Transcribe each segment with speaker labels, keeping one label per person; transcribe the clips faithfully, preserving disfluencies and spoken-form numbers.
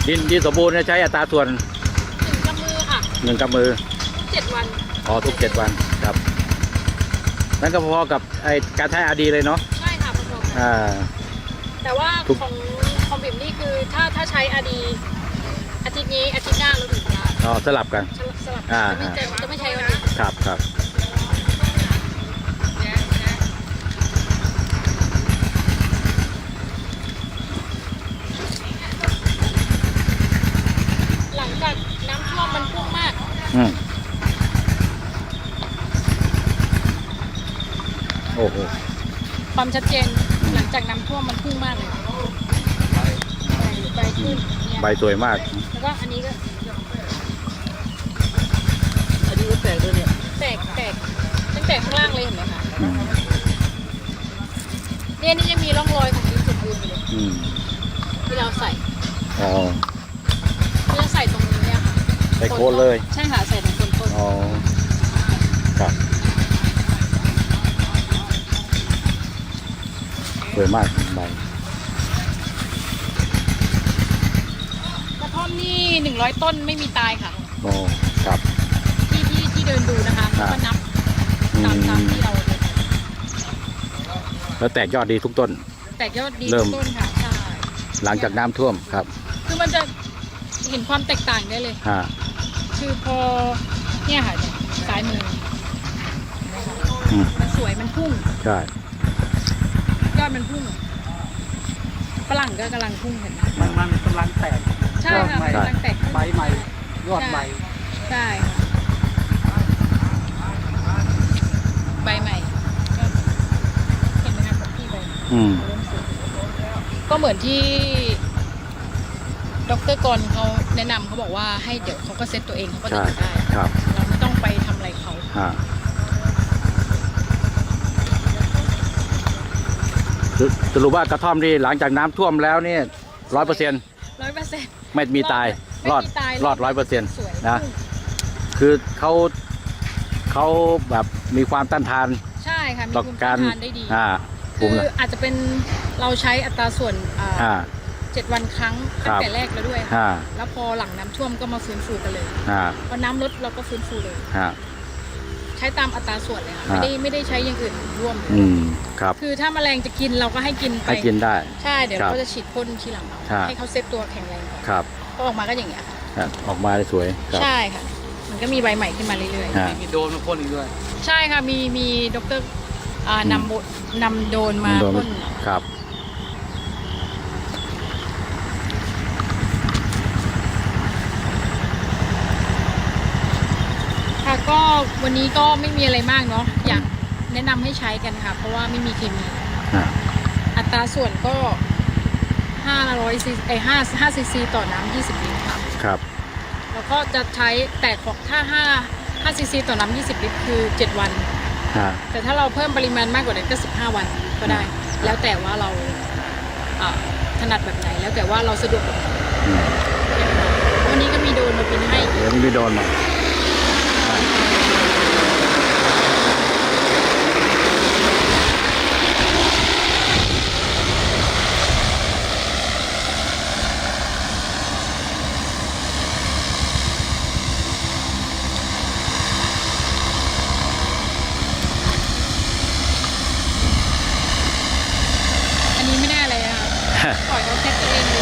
Speaker 1: ดินดินสมบูรณ์ใช้อัตราส่วน
Speaker 2: หนึ่งกำมือค่ะ
Speaker 1: หนึ่งกำมือ
Speaker 2: เจ็ดวัน
Speaker 1: อ๋อทุกเจ็ดวันครับนั่นก็พอกับไอการใช้อาดีเลยเนาะ
Speaker 2: ใช่ค่ะพอๆกัน
Speaker 1: อ่า
Speaker 2: แต่ว่าของของบิ่มนี่คือถ้าถ้าใช้อาดีอาทิตย์นี้อาทิตย์หน้าเราถึงจะ
Speaker 1: อ๋อสลับกัน
Speaker 2: สลับจะไม่จะไม่ใช้วันนี้
Speaker 1: ครับครับ
Speaker 2: หลังจากน้ำท่วมมันพุ่งมาก
Speaker 1: อืมโอ้โห
Speaker 2: ความชัดเจนหลังจากน้ำท่วมมันพุ่งมากเลยใบขึ้น
Speaker 1: ใบสวยมาก
Speaker 2: แล้วก็อันนี้ก็
Speaker 3: อันนี้ก็แตกด้วยเนี่ย
Speaker 2: แตกแตกตั้งแต่ข้างล่างเลยเห็นไหมคะเนี่ยนี่ยังมีร่องรอยของดินสมบูรณ์อยู่เลยที่เราใส่
Speaker 1: อ๋อ
Speaker 2: ที่เราใส่ตรงนี้เนี่ยค่ะ
Speaker 1: ใส่โคนเลย
Speaker 2: ใช่ค่ะใส่ตรงต้นต้น
Speaker 1: อ๋อครับสวยมากใบ
Speaker 2: กระท่อมนี่หนึ่งร้อยต้นไม่มีตายค่ะ
Speaker 1: โอ้ครับ
Speaker 2: ที่ที่ที่เดินดูนะคะก็นับตามตามที่เรา
Speaker 1: แล้วแตกยอดดีทุกต้น
Speaker 2: แตกยอดดีทุกต้นค่ะใช่
Speaker 1: หลังจากน้ำท่วมครับ
Speaker 2: คือมันจะเห็นความแตกต่างได้เลย
Speaker 1: ฮะ
Speaker 2: คือพอเนี่ยค่ะซ้ายมือมันสวยมันพุ่ง
Speaker 1: ใช่
Speaker 2: ยอดมันพุ่งฝรั่งก็กำลังพุ่งเห็นไหม
Speaker 3: มันมันกำลังแตก
Speaker 2: ใช่ค่ะกำลังแตก
Speaker 3: ใบใหม่ยอดใหม่
Speaker 2: ใช่ใบใหม่เห็นไหมคะพี่ใบก็เหมือนที่ดร.กรเขาแนะนำเขาบอกว่าให้เดี๋ยวเขาก็เซ็ตตัวเองเขาก็ติดได้เราไม่ต้องไปทำอะไรเขา
Speaker 1: สรุปว่ากระท่อมที่หลังจากน้ำท่วมแล้วนี่ร้อยเปอร์เซ็นต์
Speaker 2: ร้อยเปอร์เซ็นต์
Speaker 1: ไม่มีตายรอดรอดร้อยเปอร์เซ็นต์นะคือเขาเขาแบบมีความต้านทาน
Speaker 2: ใช่ค่ะมีภูมิต้านทานได้ดีคืออาจจะเป็นเราใช้อัตราส่วนเจ็ดวันครั้งตั้งแต่แรกแล้วด้วยแล้วพอหลังน้ำท่วมก็มาฟื้นฟูกันเลยพอน้ำลดเราก็ฟื้นฟูเลยใช้ตามอัตราส่วนเลยค่ะไม่ได้ไม่ได้ใช้อย่างอื่นร่วม
Speaker 1: อืมครับ
Speaker 2: คือถ้าแมลงจะกินเราก็ให้กินไป
Speaker 1: ให้กินได้
Speaker 2: ใช่เดี๋ยวเราก็จะฉีดพ่นทีหลังให้เขาเซฟตัวแข็งแรง
Speaker 1: ครับ
Speaker 2: ก็ออกมาก็อย่างเงี้ย
Speaker 1: ค่ะออกมาได้สวย
Speaker 2: ใช่ค่ะมันก็มีใบใหม่ขึ้นมาเรื่อย
Speaker 3: ๆมีโดนมาพ่นอีกด้วย
Speaker 2: ใช่ค่ะมีมีดร.นำบทนำโดนมาพ่น
Speaker 1: ครับ
Speaker 2: ค่ะก็วันนี้ก็ไม่มีอะไรมากเนาะอยากแนะนำให้ใช้กันค่ะเพราะว่าไม่มีเคมีอัตราส่วนก็ห้าร้อยซีไอห้าห้าซีซีต่อน้ำยี่สิบลิตรค่ะ
Speaker 1: ครับ
Speaker 2: แล้วก็จะใช้แต่ของถ้าห้าห้าซีซีต่อน้ำยี่สิบลิตรคือเจ็ดวันแต่ถ้าเราเพิ่มปริมาณมากกว่านั้นก็สิบห้าวันก็ได้แล้วแต่ว่าเราถนัดแบบไหนแล้วแต่ว่าเราสะดวกวันนี้ก็มีโดนมาบินให้
Speaker 1: มีโดนมา
Speaker 2: ปล่อยเขาแค่ตัวเอง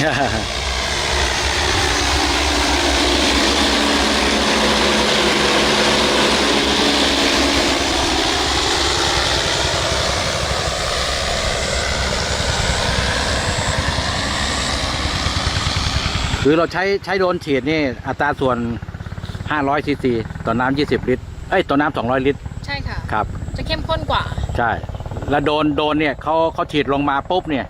Speaker 1: คือเราใช้ใช้โดนฉีดนี่อัตราส่วนห้าร้อยซีซีต่อน้ำยี่สิบลิตรเอ้ยต่อน้ำสองร้อยลิตร
Speaker 2: ใช่ค่ะ
Speaker 1: ครับ
Speaker 2: จะเข้มข้นกว่า
Speaker 1: ใช่แล้วโดนโดนเนี่ยเขาเขาฉีดลงมาปุ๊บเนี่ย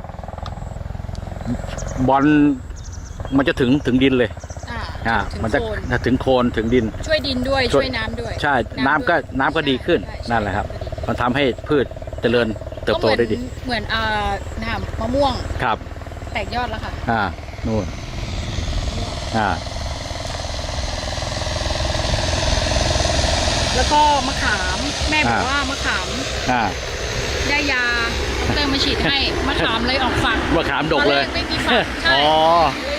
Speaker 1: บอลมันจะถึงถึงดินเลยอ่ามันจะถึงโคนถึงดิน
Speaker 2: ช่วยดินด้วยช่วยน้ำด้วย
Speaker 1: ใช่น้ำก็น้ำก็ดีขึ้นนั่นแหละครับมันทำให้พืชเจริญเติบโตได้ดี
Speaker 2: เหมือนอ่าน้ำมะม่วง
Speaker 1: ครับ
Speaker 2: แตกยอดแล้วค่ะ
Speaker 1: อ่านู่นอ่า
Speaker 2: แล้วก็มะขามแม่บอกว่ามะขาม
Speaker 1: อ่า
Speaker 2: ได้ยาดร.มาฉีดให้มะขามเลยออกฝัก
Speaker 1: มะขามดกเลย
Speaker 2: ไม่มีฝักใช่